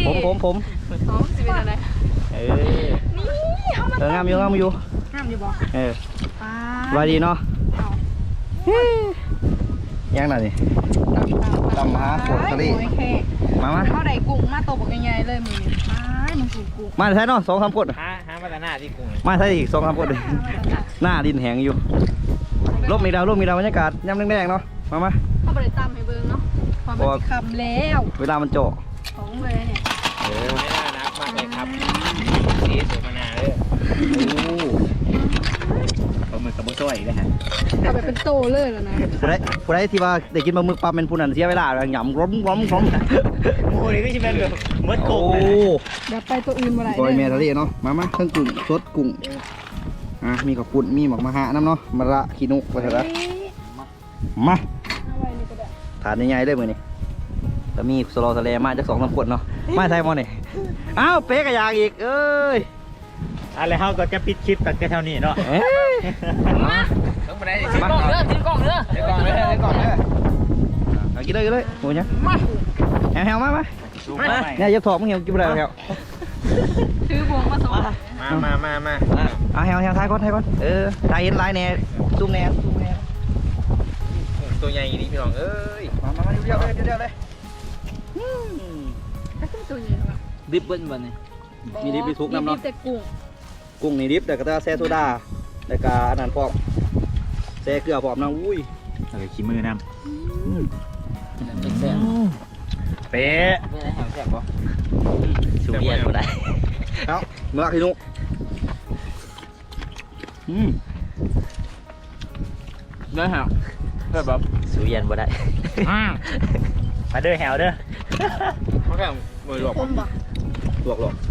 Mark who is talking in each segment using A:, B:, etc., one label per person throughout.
A: ผม
B: อ๋อสิเป็นอะไรนี่
A: งามอยู่
B: งามอยู่บ่
A: สบายดีเนาะยังไงนี่ตำหาโขดทะเลมา
B: เท่าไหร่กุ้งมาโตบอกยังไงเลยมึงมันกุ้ง
A: มาใช่เนาะ2-3 คน
C: หามาแต่หน้าที่กุ้ง
A: มาใช่อีก2-3 คนหน้าดินแห้งอยู่ร่มมีดาวบรรยากาศย่ำแดงๆเนาะมา
B: เข้าไปตำให้เบิ้งเนาะพอมันคำแล้ว
A: เวลามันโจ
B: ของเลยเนี่ย
C: ไม่น่านักมากเลยครับสีสวยมานานเลยปลาหมึกกับบุ้ช่วยเลยฮะ
B: เอาไปเป็นโตเลยแล้วนะ
A: ผู้ใดที่ว่าได้กินปลาหมึกปลาเป็นผู้นั้นเสียเวลาหยำร้มโ
C: อ้ยนี่ก็ใช่เป็นแบบมดกุ้ง
B: เดี๋ยวไปตัวอื่นมาไหน
A: ก้อยแม่ทะเลเนาะมาเครื่องกุ้งสดกุ้งมีกับปุ่นมีหมกมะฮะน้ำเนาะมะระขี้นุกไปเถอะมาถาดใหญ่ๆเลยมือนี่แต่มีสโลทะเลมาจาก2-3 ขวดเนาะมาใช่มอนี่อ้าวเป๊กกระยางอีกเอ้ย
C: อะไรเขาก็จะปิดคลิปกันแค่เท่านี้เนาะต้องไปไหนถือกล้องเด้อ
A: กินเลยโอ้ยมาแฮวมาเนี่ยยับถอดมึงเหี่ยวกินไปเลยแฮว
B: ถือบวงมาสอง
C: มา
A: แฮวท้ายก่อนท้ายเห็นลายแน่ซูมแน่
C: ตัวใหญ่นี่พี่น้องเอ้ย
A: มาเดี๋ยวเลย
B: ตัวใหญ่หรอ
A: ดิบเบิ้ลวันนี้มีดิบมีทุกน้ำเนาะ
B: แต่
A: กุ้งนี่ดิบแต่ก็จะแซ่โซดาแต่ก็อันนั้นพร้อมแซ่เกลือพร้อมนะอุ้ย
C: แล้วก็ขี้มือน้ำเป๊ะ
A: แซ่บปะสูเรียนก็ได้เอ้าเมื่อกี้นุ
C: ได้ฮะได้แบบ
A: สูเรียนบ่ได้
C: มาเด้อแฮวเด้อเขาแค่มือหลอก
A: หลอก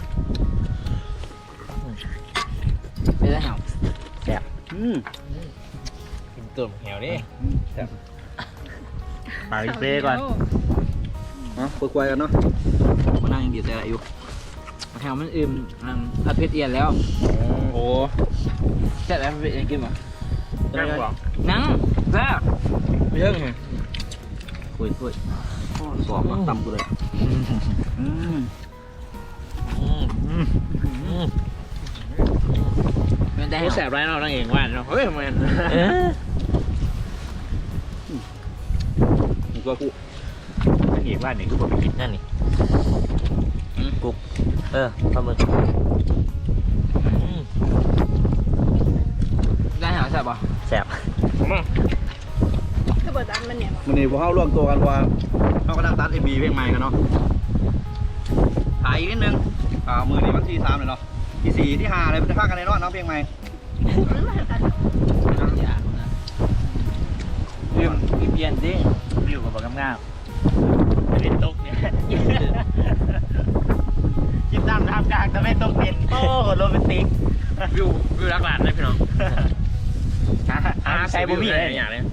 C: ไม่ได้แฮว
A: แซ่บ
C: กินตุ่มแฮวนี่แซ่บปากเป้ก่อน
A: คุยกันเนาะมานั่งยังดีใจอะไรอยู่
C: แฮวมันอิ่มผัดเผ็ดเอียนแล้วโอ้แซ่บแล้วเผ็ดยังกินมั้ยนั่งแซ่บไม่เยอะไง
A: คุยสอบมาต่ำกูเลย
C: มันได้ให้แสบไรเราตั้งเองว่าเนาะเฮ้ยมัน
A: ก็กู
C: ตั้งเองว่านี่คือผมไปกินนั่นนี่
A: กุกปลาหมึก
C: ได้หาแสบป่ะ
A: แสบ
C: มา
B: คือเปิดร้านมันเนี่ย
A: มันนี่พวกเขาร่วมตัวกันว่าเขาก็นั่งตัดMVเพลงใหม่กันเนาะถ่ายอีกนิดนึงมือนี่วันที่3เลยเนาะที่4ที่5เลยมันจะฆ่ากันในรอดเนาะเพลงใหม่
C: เปลี่ยนดิวิวกับบอกง่ายเป็นตกเนี่ยคิดตามทางกลางแต่ไม่ตกเป็นโอ้โรแมนติกวิวรักหลานเลยพี่น้องใช้บุ้มี่อะไรอย่างเนี้ย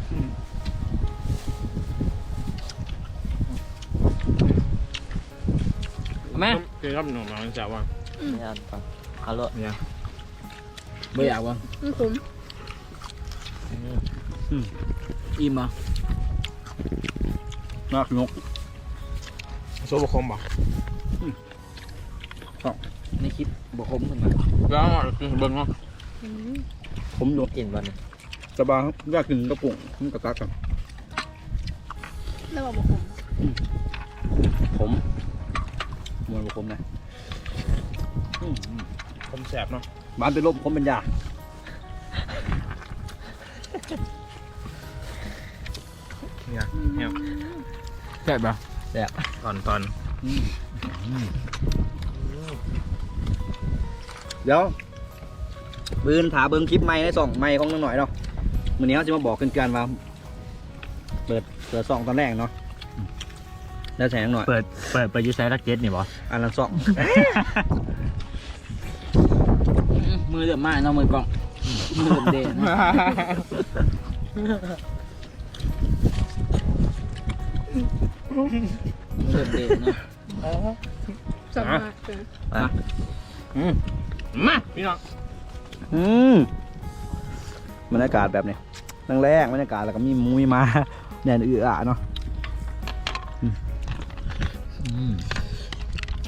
C: แม่คือครับหนุ่มเราจะว่า
A: ไม่เอาฟังฮัลโหล
C: เนี่ยไม่อยากว่า
B: คุ้ม
C: อิ่มอ่ะ
A: นักนก
C: โซ่บกคมป่ะ
A: ในคลิปบกคมขึ้นมา
C: แล้วกินเบิ้งเนาะ
A: ผมโดนกินวันนี้สบายอยากกินกระปุกมันกระตักกัน
B: แล้วบอก
A: ผมมวยบกคมนะ
C: ผมแสบเนาะ
A: บ้านเป็นลมผมเป็นยา
C: เนี่ยแสบป่ะ
A: แสบ
C: ตอน
A: เดี๋ยวปืนถาเบิ้งคลิปใหม่ใน2ใหม่ของหน่อยเนาะวันนี้เขาจะมาบอกกันว่าเปิด2ตอนแรกเนาะแล้วแสงหน่อย
C: เปิดยูไซรักเจ็ตนี่บอ
A: อันละ2
C: มือเดือดมากเนาะมือกล้องมือเดือดเด่นเดือดเด่นเนาะ
B: สบาย
C: มาพี่น้อง
A: บรรยากาศแบบนี้แรงบรรยากาศแล้วก็มีมุ้ยมาแดนเนาะ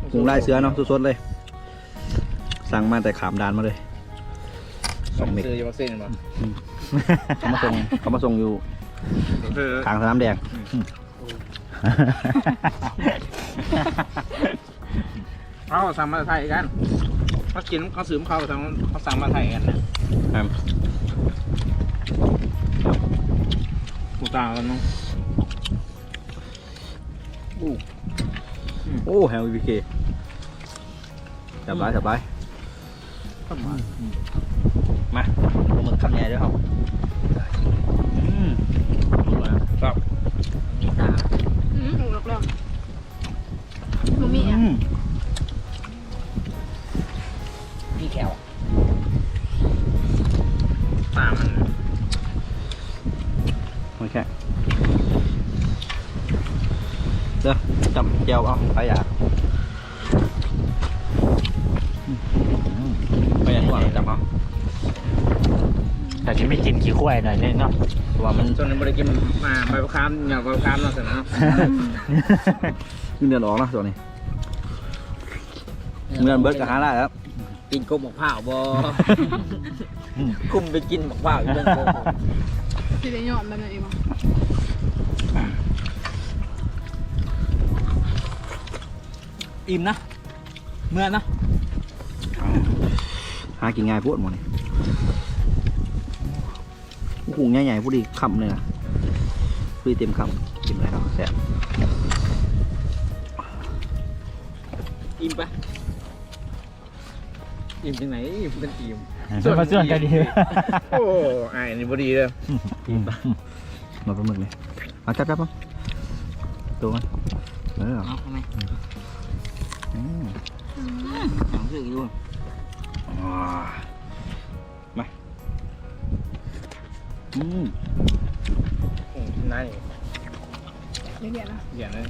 A: กุ้งลายเสือเนาะสดๆเลย สั่งมาแต่ขามดานมาเลย2 เม็ด
C: ซื้ออยู่วัคซีนป่ะ
A: เขามาส่งอยู่ทางสนามแดง
C: เขาสั่งมาไทยกันเขากินเขาซื้อเขาสั่งมาไทยกันนะกูตาแล้วน้อง
A: โอ้แฮมวีเคจับไว้มาหมึกคำใหญ่ด้วยครับครับ
B: หนูหลอกๆมันมีอ่ะ
C: พี่แขวตามัน
A: โอเคเด้อจับเจียวเอาไปอยากไปอยากว่าจับเอา
D: แต่ฉันไม่กินขี้ข้วยหน่อยเนาะ
A: ว่ามัน
C: จนบริกินมาใบประคามอย่างใบประคามเราเสร็จแล้ว
A: เงินออกนะตัวนี้เงินเบิร์ดกับฮาร่าแล้ว
C: กินกบหมกผ้าบ่คุมไปกินหมกผ้าอยู่เรื่องโกบ
B: ที่ได้ยอดแบบนั้นเองมั้ง
C: อิ่มนะเมื่อนะ
A: หากินง่ายพูดหมดนี่หูใหญ่ๆพูดดีคำเลยนะพูดเต็มคำกินอะไรเนาะแซ่บ
C: อิ่มปะอิ่มจังไหนอิ่มเป็นอิ่ม
D: มาส่วนกันดี
C: โอ้ไอ้นี่บดีเลย
A: มาปลาหมึกเลยมาจับมั้งตัวมันเออ
C: เอาทำไม
A: อืม
C: ของซื้ออยู่
A: มาอืม
C: นาย
B: เดี๋ยวนะ
C: อย่างนั้น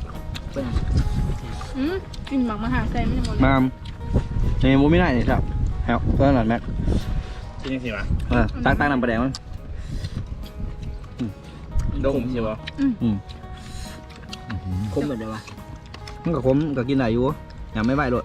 B: กินหมักมาหาใส่ไม่ได้หมดเลย
A: มาในมูไม่ได้นี่ครับแฮวก็หลานแม็ก
C: ที่นี่สิวะ
A: ตั้งน้ำปลาแดงมัน
C: ดมใช่ปะ
A: อืม
C: คมเหมือนเดิมวะ
A: มันกับผมก็กินได้อยู่ยังไม่ไหวเลย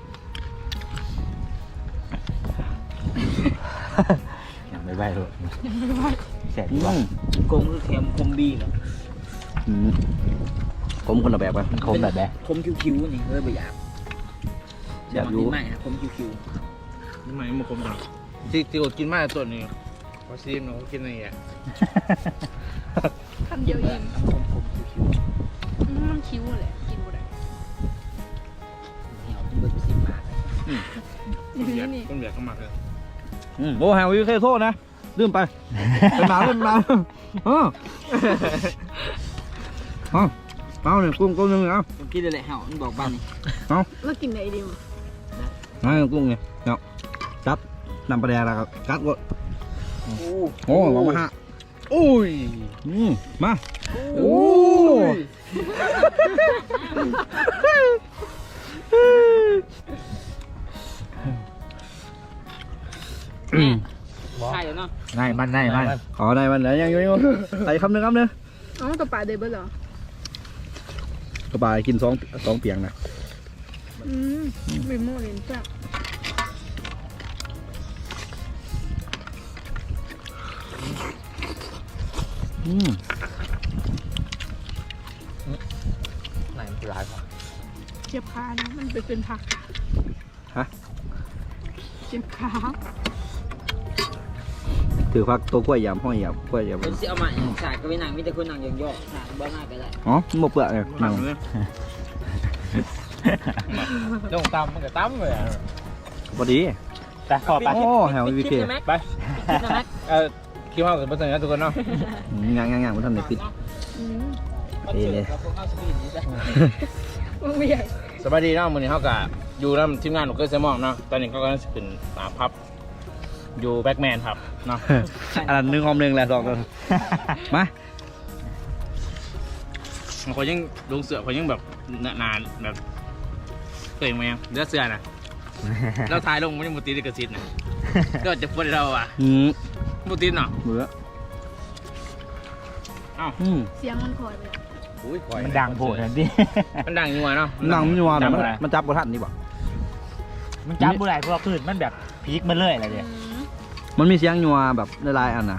D: ยังไม่ไหวเลยแสบ
A: อื
D: ดีว่ะ
A: ม
C: คมคือเค็มคมบีเนาะ
A: อืมผมคนละแบบกัน
D: คมแบบแบบ
C: คมคิ้วๆนี่เลยไม่อยาก
A: อยากอยู่
C: ไม่ฮะคมคิ้วๆนี่มันคมจังที่อดกินมากตัวนี้พอซีมเนาะกินอะไรอ่ะ
B: คำเดียวเอง
C: คมคิ้ว
B: มันคิ้วแหละกินหมดเลย
C: เหนียวจนเบิดไป10 บาท
B: นี่นี่
C: ต้นเบียร์เข้ามาเลย
A: โอ้แฮววิวเคโทษนะลืมไปเป็นหมาเป็นหมาเอาเนี่ยกุ้งนึงเอา
C: ผมคิดเลยแหละเห่ามันบอกบ้านนี่
B: แล้วกินไหนดีมั้ง
A: กุ้งเนี่ยเนาะจับน้ำปลาแดงแล้วก็กัดกด
C: โอ้
A: โอ้มาฮะ
C: อุ้ย
A: มาโอ้
C: ใช่แล้วเนาะ
D: ง่ายมันง่ายมัน
A: ขอได้มันแล้วยังใส่คำนึงครับเนื้อ
B: อ๋อตัวปลาเดบิวต์เหรอก
A: ระบายกินสองเปียงนะ
B: มีโม่เลนจ้ะ
D: ไหนมันร้ายกว่า
B: เจ็บขานะมันเป็นผัก
A: ฮะ
B: เจ็บขา
A: ถือพักตัวกล้วยยำห้อยยำกล้วยยำ
C: คนสิเอามาสากก็ไปนั่งมีแต่คนนั่งยองๆสากบ้าหน้าก็ได้
A: อ๋อหมกเปลือกเนี่ยนั่ง
C: ลงตำมันก็ตำเลย
A: พอดี
D: แต่ขอไป
A: โอ้แฮววิวเค
C: ไปคิดว่าเป็นภาษาทุกคนเนาะ
A: งานมันทำในปิด
B: มันไม่ใหญ่
C: สบายดีเนาะมื้อนี้เฮาก็อยู่นำทีมงานของเกิร์ลเซมอนเนาะตอนนี้เขาก็ขึ้นพับอยู่แบ็กแมนครับเนาะ
A: อันนึงหอมนึงแหละสองตัวมา
C: เขายังลงเสือเขายังแบบนานแบบเคยมายังเลือดเสือนะเราถ่ายลงไม่ได้มุติลิขสิทธิ์นะก็จะพูดเราอ่ะมุติเนาะ
A: เบื่อ
B: เสียงมันคอยไป
C: อุ้ย
D: มันดังโผล่ทันที
C: มันดังอยู่เนาะ
A: นั่งมันอยู่ว่ามันจับบทันนี่บ่
D: มันจำบุไรเพราะว่าคลื่นมันแบบพีคมันเลยอะไรเนี่ย
A: มันมีเสียงยัวแบบหลายๆอันนะ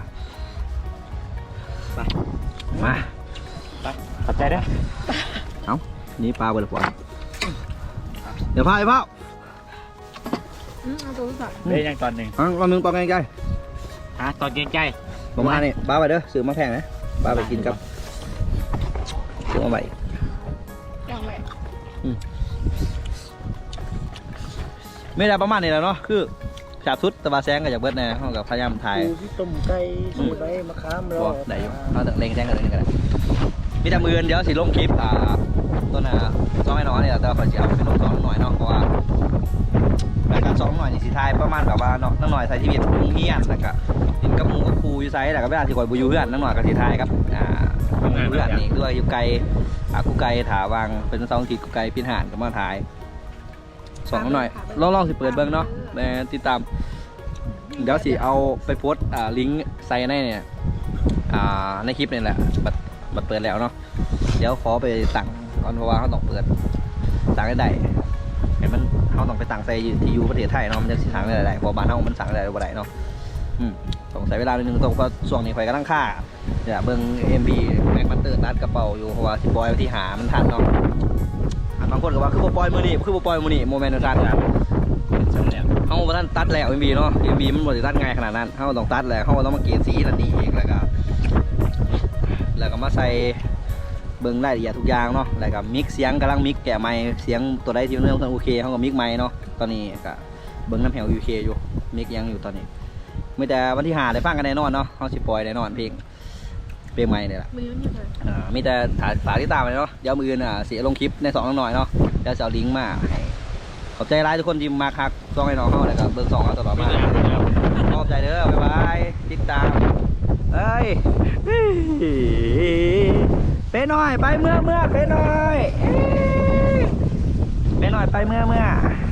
A: มา
D: ขอบใจด้วย
A: นี่ปลาเบอร์ปอเดี๋ยวพาไอ้เป้า
B: เอาตัวสั่ง
D: ได้ยังตอนหนึ่ง
A: เอามึงปลาไงไกล
D: ตอนเกรงใจ
A: ประมาณนี้ปลาไปเด้อซื้อมาแพงนะปลาไปกินกับซื้อมาใบ
B: อย่างไร
A: ไม่ได้ประมาณนี้แล้วเนาะคือจับสุดตะบาแซงกับจากเบิร์ดเนี่ยเขากับพยายามถ่าย
E: พี่ต้มไก่สูตรไว้มะขามร
A: บ
E: อ
A: อกได้อยู่เขาเล็งแซงกันเลยก็ได้มีแต่มือเดี๋ยวสิลงคลิปต้นซ้อมไอ้น้อยเนี่ยแต่ขอจะเอาเป็นลงซ้อมหน่อยเนาะเพราะว่ารายการซ้อมหน่อยนี่สิทายประมาณแบบว่าเนาะน้ำหน่อยใส่ชีวิตมุ่งเฮียนแล้วก็กินกับหมูกับครูอยู่ไซส์แล้วก็ไม่ได้ที่คอยบุยูเพื่อนน้ำหน่อยกับสิทายครับเพื่อนนี่ด้วยอยู่ไกลกูไกลถาวางเป็น2 อาทิตย์กูไกลพินหานกับมาถ่ายส่องหน่อยลองสิเปิดเบิ้งเนาะติดตามเดี๋ยวสิเอาไปโพสลิงก์ใส่ในเนี่ยในคลิปนี่แหละบัดเปิดแล้วเนาะเดี๋ยวขอไปตั้งก่อนเพราะว่าเขาต้องเปิดตั้งได้เห็นมันเขาต้องไปตั้งใส่ที่อยู่ประเทศไทยเนาะมันจะสิทางได้หลายเพราะบ้านเขามันสั่งได้บ่ได้เนาะต้องใช้เวลาหนึ่งต้องเพราะช่วงนี้ไฟกำลังค่าเดี๋ยวเบิ้ง MV แม็กมันเติร์ดนัดกระเป๋าอยู่เพราะว่าสิบอยที่หามันทันเนาะบางคนก็ว่าคือบ่ปล่อยมือนี่คือบ่ปล่อยมือนี่โมเมนต์ทันเขาบ่ทันตัดแล้ว MV เนาะ MV มันบ่ได้ตัดง่ายขนาดนั้นเขาต้องตัดแล้วเขาต้องมาเกลี่ยสีนั่นนี่เองแล้วก็มาใส่เบิ้งรายละเอียดทุกอย่างเนาะแล้วก็มิกเสียงกำลังมิกแกะไมค์เสียงตัวใดที่มันเริ่มโอเคเขาก็มิกไมค์เนาะตอนนี้ก็เบิ้งน้ำแหว UK อยู่มิกยังอยู่ตอนนี้ไม่แต่วันที่5ได้ฟังกันแน่นอนเนาะเขาสิปล่อยแน่นอนเพลงใหม่เนี่ยแหละ
B: มือมันอยู่เลย
A: มีแต่ฝากติดตามเลยเนาะเดี๋ยวมืออื่นเสียลงคลิปใน2น้อยเนาะเดี๋ยวจะเอาลิงก์มาให้ขอบใจร้ายทุกคนที่มาคักซ่องให้น้องเขาเลยครับเบิ้ง2เอาตลอดมาขอบใจเด้อบ๊ายบายติดตามเอ้ยไปหน่อยไปเมื่อไปหน่อยไปหน่อยไปเมื่อ